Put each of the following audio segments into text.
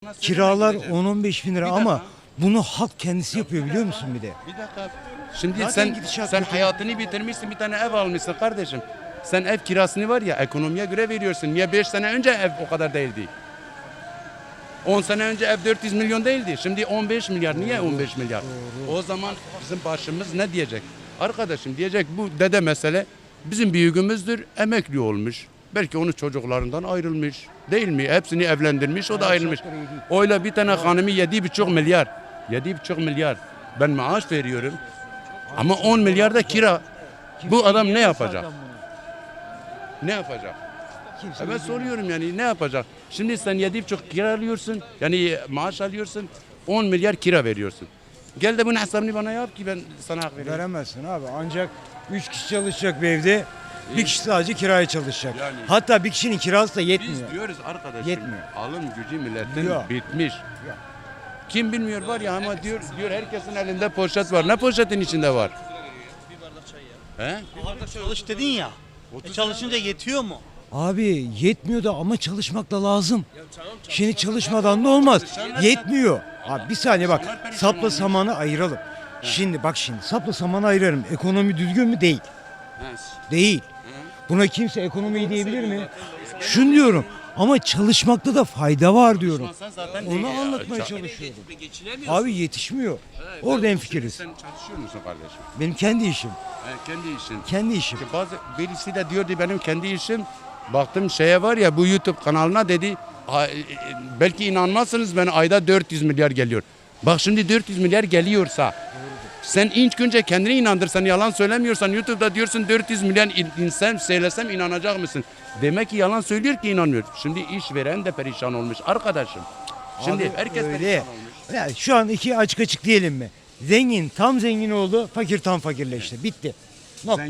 kiralar gideceğim. 10-15 bin lira Bir ama dakika. bunu halk kendisi yapıyor biliyor musun bir de? Bir dakika. Şimdi Zaten gidişat sen kötü. hayatını bitirmişsin, bir tane ev almışsın kardeşim. Sen ev kirasını var ya ekonomiye göre veriyorsun. Niye 5 sene önce ev o kadar değildi? 10 sene önce ev 400 milyon değildi. Şimdi 15 milyar. Niye 15 milyar? O zaman bizim başımız ne diyecek? Arkadaşım diyecek bu dede mesele bizim büyüğümüzdür. Emekli olmuş. Belki onun çocuklarından ayrılmış. Değil mi? Hepsini evlendirmiş. O da ayrılmış. Öyle bir tane hanımı 7,5 milyar. 7,5 milyar. Ben maaş veriyorum. Ama 10 milyar da kira. Bu adam ne yapacak? Ne yapacak? Ben soruyorum yani ne yapacak? Şimdi sen 7,5 kira alıyorsun. Yani maaş alıyorsun. 10 milyar kira veriyorsun. Gel de bunun hesabını bana yap ki ben sana hak vereyim. Veremezsin abi. Ancak 3 kişi çalışacak bir evde. Bir kişi sadece kiraya çalışacak. Yani- Hatta bir kişinin kirası da Biz yetmiyor. diyoruz arkadaşım. Yetmiyor. Alım gücü milletin Yok. bitmiş. Yok. Kim bilmiyor var ya ama diyor herkesin elinde poşet var. Ne poşetin içinde var? Bir bardak çay ya. He? Orada çalış dedin ya. Çalışınca yetiyor mu? Abi yetmiyor da ama çalışmak da lazım. Şimdi çalışmadan da olmaz. Yetmiyor. Abi bir saniye bak. Sapla samanı ayıralım. Şimdi bak şimdi sapla samanı ayırırım. Ekonomi düzgün mü? Değil. Değil. Buna kimse ekonomi diyebilir mi? Şunu diyorum. Ama çalışmakta da fayda var diyorum. Sen zaten Onu anlatmaya çalışıyorum. Geçinemiyorsun. Abi yetişmiyor. Orada hemfikiriz. Sen çalışıyor musun kardeşim? Benim kendi işim. Kendi işin. Kendi işim. Bazı birisi de diyordu benim kendi işim. Baktım şeye var ya bu YouTube kanalına dedi. Belki inanmazsınız ben ayda 400 milyar geliyor. Bak şimdi 400 milyar geliyorsa sen ilk önce kendini inandırsan yalan söylemiyorsan YouTube'da diyorsun 400 milyon insan söylesem inanacak mısın? Demek ki yalan söylüyor ki inanmıyor. Şimdi işveren de perişan olmuş arkadaşım. Şimdi Abi herkes öyle. perişan olmuş. Yani şu an iki açık açık diyelim mi? Zengin tam zengin oldu, fakir tam fakirleşti. Bitti. Nokta.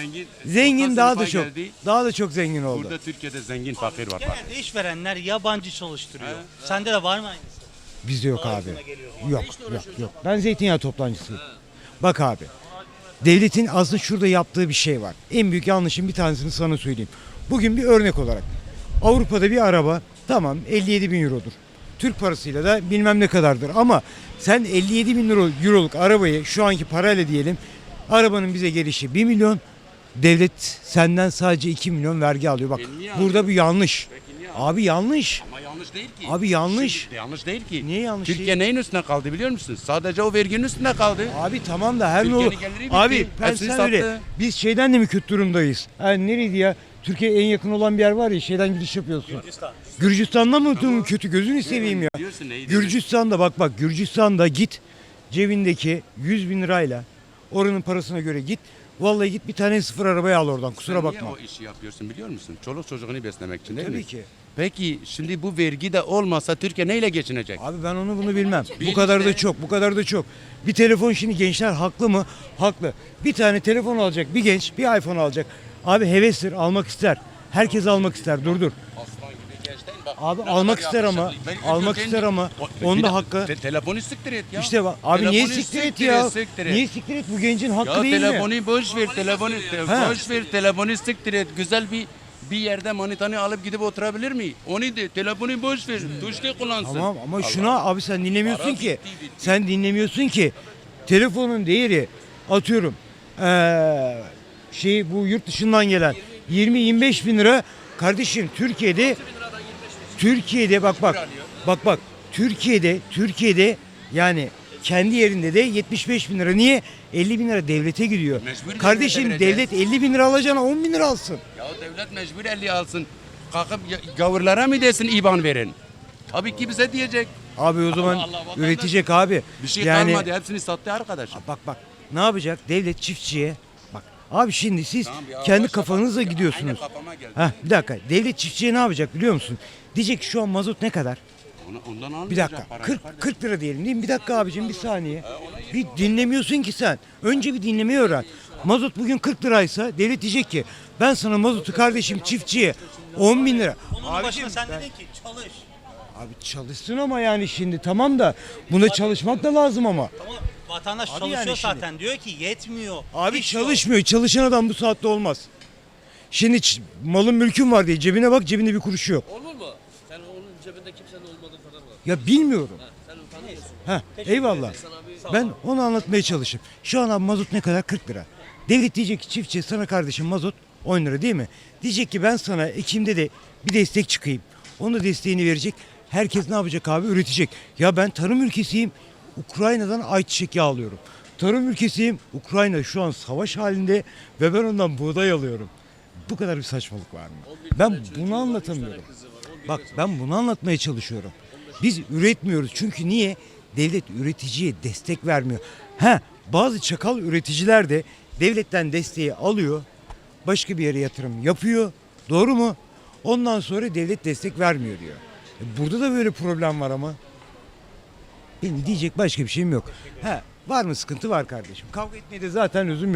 Zengin Zengin daha da sınıfa çok. geldi. Daha da çok zengin oldu. Burada Türkiye'de zengin fakir var. Bak. Genelde işverenler yabancı çalıştırıyor. Sende de var mı aynısı? Bizde yok abi. Ağzına geliyor. Yok, yok. Ben zeytinyağı toplancısıyım. Bak abi. Devletin aslında şurada yaptığı bir şey var. En büyük yanlışın bir tanesini sana söyleyeyim. Bugün bir örnek olarak. Avrupa'da bir araba tamam 57 bin eurodur. Türk parasıyla da bilmem ne kadardır. Ama sen 57 bin euroluk arabayı şu anki parayla diyelim. Arabanın bize gelişi 1 milyon. Devlet senden sadece 2 milyon vergi alıyor. Bak niye burada bir yanlış. Peki niye Abi yanlış. Ama yanlış değil ki. Abi yanlış. Şimdi yanlış değil ki. Niye yanlış Türkiye değil? neyin üstüne kaldı biliyor musun? Sadece o verginin üstüne kaldı. Abi tamam da her ne Türkiye'nin olur. geliri bitti. Abi ben Hepsini sen öyle. sattı. Biz şeyden de mi kötü durumdayız? Yani nereydi ya? Türkiye'ye en yakın olan bir yer var ya şeyden gidiş yapıyorsun. Gürcistan'da mı kötü gözünü seveyim ya. Diyorsun neydi? Gürcistan'da bak Gürcistan'da git cebindeki 100 bin lirayla oranın parasına göre git. Vallahi git bir tane sıfır arabayı al oradan kusura Sen bakma. niye o işi yapıyorsun biliyor musun? Çoluk çocuğunu beslemek için değil mi? Tabii ki. Peki şimdi bu vergi de olmasa Türkiye neyle geçinecek? Abi ben onu bunu bilmem. Bu Bil kadar da işte. çok, bu kadar da çok. Bir telefon şimdi gençler haklı mı? Haklı. Bir tane telefon alacak bir genç, bir iPhone alacak. Abi hevestir, almak ister. Herkes almak ister. Dur. Aslan gibi genç değil mi? Bak, Abi ne almak kadar ister ama, yakışıklı. Ben almak ilk ister önce- ama Bir onda de- hakkı. Telefonu siktir et ya. İşte bak abi niye Telefonu siktir et siktir ya? et, siktir et. Niye siktir et? Bu gencin hakkı Ya değil mi? telefonu boş ver, Ha. boş ver, telefonu siktir et. Güzel bir yerde manitanı alıp gidip oturabilir mi? Onu de telefonu boş ver, tuşlu kullansın. Tamam ama şuna abi sen dinlemiyorsun Para ki. bitti. Sen dinlemiyorsun ki. Telefonun değeri atıyorum. Bu yurt dışından gelen 20-25 bin lira kardeşim Türkiye'de bak Türkiye'de yani kendi yerinde de 75 bin lira. Niye? 50 bin lira devlete gidiyor. Mecbur Kardeşim devlete vereceğiz. devlet 50 bin lira alacağına 10 bin lira alsın. Ya devlet mecbur 50 alsın. Kalkıp gavurlara mı desin IBAN verin? Tabii ki bize diyecek. Abi o zaman Allah, vatandaş- üretecek abi. Bir şey yani, kalmadı, hepsini sattı arkadaşım. Bak ne yapacak? Devlet çiftçiye bak. Abi şimdi siz Tamam ya, kendi başla kafanızla bak. gidiyorsunuz. Aynı kafama geldi. Bir dakika. Devlet çiftçiye ne yapacak biliyor musun? Diyecek ki şu an mazot ne kadar? Ondan Bir almayacak dakika. parayı 40 kardeşim. 40 lira diyelim değil mi? Bir dakika abicim bir saniye. Bir dinlemiyorsun ki sen. Önce bir dinlemeyi öğren. Mazot bugün 40 liraysa devlet diyecek ki ben sana mazotu kardeşim çiftçiye 10 bin lira. Onun başına sen dedin ki çalış. Abi çalışsın ama yani şimdi tamam da buna çalışmak da lazım ama. Ama vatandaş Abi çalışıyor yani şimdi- zaten. Diyor ki yetmiyor. Abi İş yok. çalışmıyor. Çalışan adam bu saatte olmaz. Şimdi malın mülkün var diye cebine bak cebinde bir kuruşu yok. Olur mu? Sen onun cebinde kimsenin olmadığı kadar var. Ya bilmiyorum. Ha, eyvallah. Ben onu anlatmaya çalışayım. Şu an abi mazot ne kadar? 40 lira. Devlet diyecek ki çiftçi sana kardeşim mazot 10 lira değil mi? Diyecek ki ben sana Ekim'de de bir destek çıkayım. Onu desteğini verecek. Herkes ne yapacak abi? Üretecek. Ya ben tarım ülkesiyim. Ukrayna'dan ayçiçek yağı alıyorum. Tarım ülkesiyim. Ukrayna şu an savaş halinde ve ben ondan buğday alıyorum. Bu kadar bir saçmalık var mı? Ben bunu anlatamıyorum. Bak ben bunu anlatmaya çalışıyorum. Biz üretmiyoruz. Çünkü niye? Devlet üreticiye destek vermiyor. Bazı çakal üreticiler de devletten desteği alıyor. Başka bir yere yatırım yapıyor. Doğru mu? Ondan sonra devlet destek vermiyor diyor. Burada da böyle problem var ama. Benim diyecek başka bir şeyim yok. Var mı sıkıntı var kardeşim. Kavga etmeye de zaten lüzum yok.